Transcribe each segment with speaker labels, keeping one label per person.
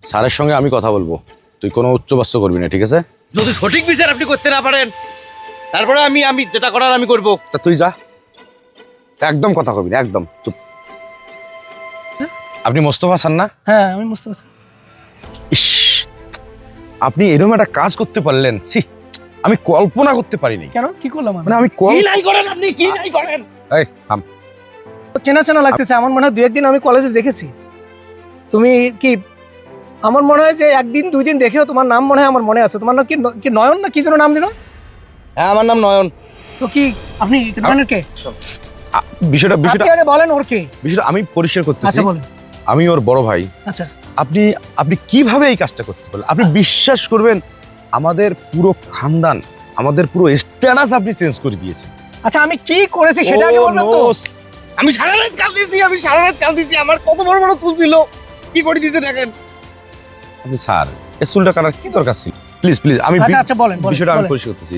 Speaker 1: স্যারের সঙ্গে আমি কথা বলবো, তুই কোনো উচ্চবাচ্য করবি না, ঠিক আছে?
Speaker 2: যদি সঠিক বিচার আপনি করতে না পারেন তারপরে আমি যেটা করার আমি করব।
Speaker 1: তা তুই যা, একদম কথা কবি না, একদম চুপ। আপনি মোস্তফা স্যার না?
Speaker 3: হ্যাঁ আমি মুস্তফা স্যার।
Speaker 1: ইস, আপনি এরকম একটা কাজ করতে পারলেন, সি আমি কল্পনা করতে পারিনি।
Speaker 3: কেন কি করলাম আমি?
Speaker 1: মানে আমি
Speaker 2: কি নাই করেন আপনি, কি নাই করেন?
Speaker 1: এই থাম।
Speaker 3: চেনা চেনা লাগতেছে, আমার মনে হয় দু একদিন আমি কলেজে দেখেছি। তুমি কি, আমার মনে হয় যে একদিন দুই দিন দেখেও তোমার নাম মনে হয় আমার মনে আছে। তোমার নাম কি নয়ন না কি যেন নাম দিল?
Speaker 2: হ্যাঁ আমার নাম নয়ন।
Speaker 3: তো কি আপনি নয়নের কে?
Speaker 1: বিষয়টা
Speaker 3: আপনি আরে বলেন ওর কে?
Speaker 1: বিষয়টা আমি পরিষ্কার করতেছি।
Speaker 3: আচ্ছা বলেন।
Speaker 1: আমি ওর বড় ভাই।
Speaker 3: আচ্ছা
Speaker 1: আপনি কিভাবে এই কাজটা করতে পারলেন? আপনি বিশ্বাস করবেন, আমাদের পুরো খানদান, আমাদের পুরো স্ট্যাটাস আপনি চেঞ্জ করে দিয়েছেন।
Speaker 3: আচ্ছা আমি কি করেছি সেটা আগে বলবেন তো।
Speaker 2: আমি সারা রাত কাঁদতেছি, আমার কত বড় বড় চুল ছিল, কি করে দিতে দেখেন।
Speaker 1: আপনি স্যার এই চুলটা কাটার কি দরকার ছিল? প্লিজ আমি
Speaker 3: আচ্ছা বলেন
Speaker 1: বিষয়টা আমি
Speaker 3: বলেন।
Speaker 1: পরিষ্কার করতেছি।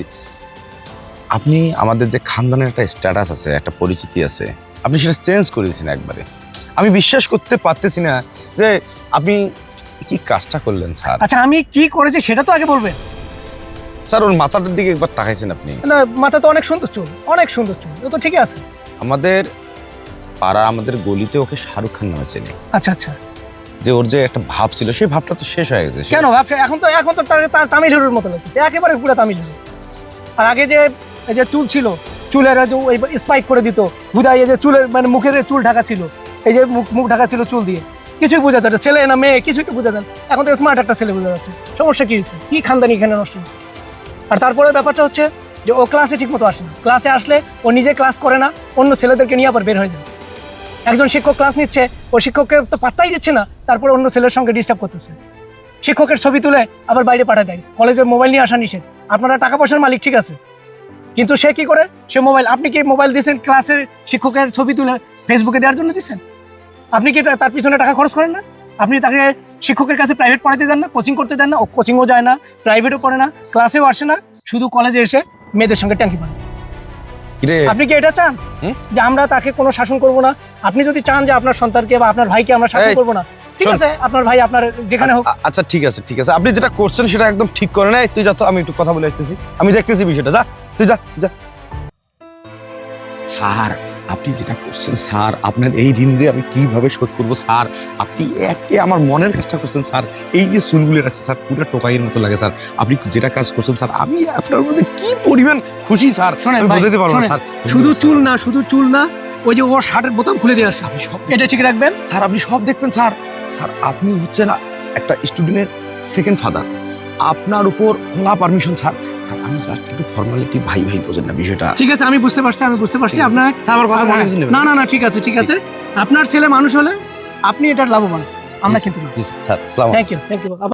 Speaker 1: আপনি আমাদের যে খানদানের একটা স্ট্যাটাস আছে, একটা পরিচিতি আছে, আপনি সেটা চেঞ্জ করে দিয়েছেন একবারে। আমি বিশ্বাস করতে পারতেছি না যে আপনি কি কাজটা করলেন স্যার।
Speaker 3: আচ্ছা আমি কি করেছি সেটা তো আগে বলবেন।
Speaker 1: স্যার ওর মাথাটার দিকে একবার তাকাইছেন আপনি?
Speaker 3: না মাথা তো অনেক সুন্দর চুল, অনেক সুন্দর চুল, ও তো ঠিকই আছে।
Speaker 1: আমাদের পাড়া, আমাদের গলিতে ওকে শাহরুখ খান নামে চেনে।
Speaker 3: আচ্ছা আচ্ছা
Speaker 1: যে ওর যে একটা ভাব ছিল, সেই ভাবটা তো শেষ হয়ে গেছে।
Speaker 3: কেন ভাবছে? এখন তো তার তামিল হিরোর মতো লাগতেছে, একেবারে পুরো তামিল হিরো। আর আগে যে এই যে চুল ছিল, চুলের ওই স্পাইক করে দিত বুঝাই, এই যে চুলের মানে মুখের চুল ঢাকা ছিল, এই যে মুখ ঢাকা ছিল চুল দিয়ে, কিছুই বোঝা যাচ্ছে ছেলে না মেয়ে, কিছুই তো বোঝা যান। এখন তো স্মার্ট একটা ছেলে বোঝা যাচ্ছে। সমস্যা কি হয়েছে? কি খানদানি এখানে নষ্ট হয়েছে? আর তারপরে ব্যাপারটা হচ্ছে যে ও ক্লাসে ঠিক মতো আসে না। ক্লাসে আসলে ও নিজে ক্লাস করে না, অন্য ছেলেদেরকে নিয়ে আবার বের হয়ে যায়। একজন শিক্ষক ক্লাস নিচ্ছে, ও শিক্ষককে তো পাত্তাই দিচ্ছে না, তারপরে অন্য ছেলের সঙ্গে ডিস্টার্ব করতেছে। শিক্ষকের ছবি তুলে আবার বাইরে পাঠিয়ে দেয়। কলেজে মোবাইল নিয়ে আসা নিষেধ। আপনারা টাকা পয়সার মালিক ঠিক আছে, কিন্তু সে কি করে? সে মোবাইল, আপনি কি মোবাইল দিয়েছেন ক্লাসের শিক্ষকের ছবি তুলে ফেসবুকে দেওয়ার জন্য দিচ্ছেন? আপনি কি তার পিছনে টাকা খরচ করেন না? আপনি তাকে শিক্ষকের কাছে প্রাইভেট পড়াতে দেন না, কোচিং করতে দেন না? ও কোচিংও যায় না, প্রাইভেটও পড়ে না, ক্লাসেও আসে না, শুধু কলেজে এসে মেয়েদের সঙ্গে ট্যাঙ্কি পান। আপনি কি এটা চান যে আমরা তাকে কোনো শাসন করব না? আপনি যদি চান যে আপনার সন্তানকে বা আপনার ভাইকে আমরা শাসন করব না, ঠিক আছে, আপনার ভাই আপনার যেখানে হোক।
Speaker 1: আচ্ছা ঠিক আছে আপনি যেটা করছেন সেটা একদম ঠিক করেন। এই তুই যা তো, আমি একটু কথা বলে আসতেছি, আমি দেখতেছি বিষয়টা। যা তুই যা। স্যার আপনি যেটা করছেন স্যার, আপনার এই ঋণ যে আমি কিভাবে শোধ করবো স্যার? আপনি একে আমার মনের কাজটা করছেন স্যার। এই যে চুলগুলো আছে স্যার, পুরো টোকাইয়ের মতো লাগে স্যার। আপনি যেটা কাজ করছেন স্যার, আমি আপনার মধ্যে কি পরিমাণ খুশি স্যার, আমি বুঝাতে পারবো না স্যার।
Speaker 3: শুধু চুল না, ওই যে ওর শার্টের বোতাম খুলে দিয়ে আসে,
Speaker 1: আপনি সব
Speaker 3: এটা ঠিক রাখবেন
Speaker 1: স্যার, আপনি সব দেখবেন স্যার। স্যার আপনি হচ্ছেন একটা স্টুডেন্টের সেকেন্ড ফাদার, আপনার উপর খোলা পারমিশন স্যার। স্যার আমি জাস্ট একটু ফর্মালিটি, ভাই বোঝেন না বিষয়টা।
Speaker 3: ঠিক আছে, আমি বুঝতে পারছি আপনার।
Speaker 1: আমার কথা মনে হচ্ছে
Speaker 3: না ঠিক আছে। আপনার ছেলে মানুষ হলে আপনি এটার লাভবান, আমরা কিন্তু না।
Speaker 1: স্যার, আসসালামু আলাইকুম।
Speaker 3: Thank you.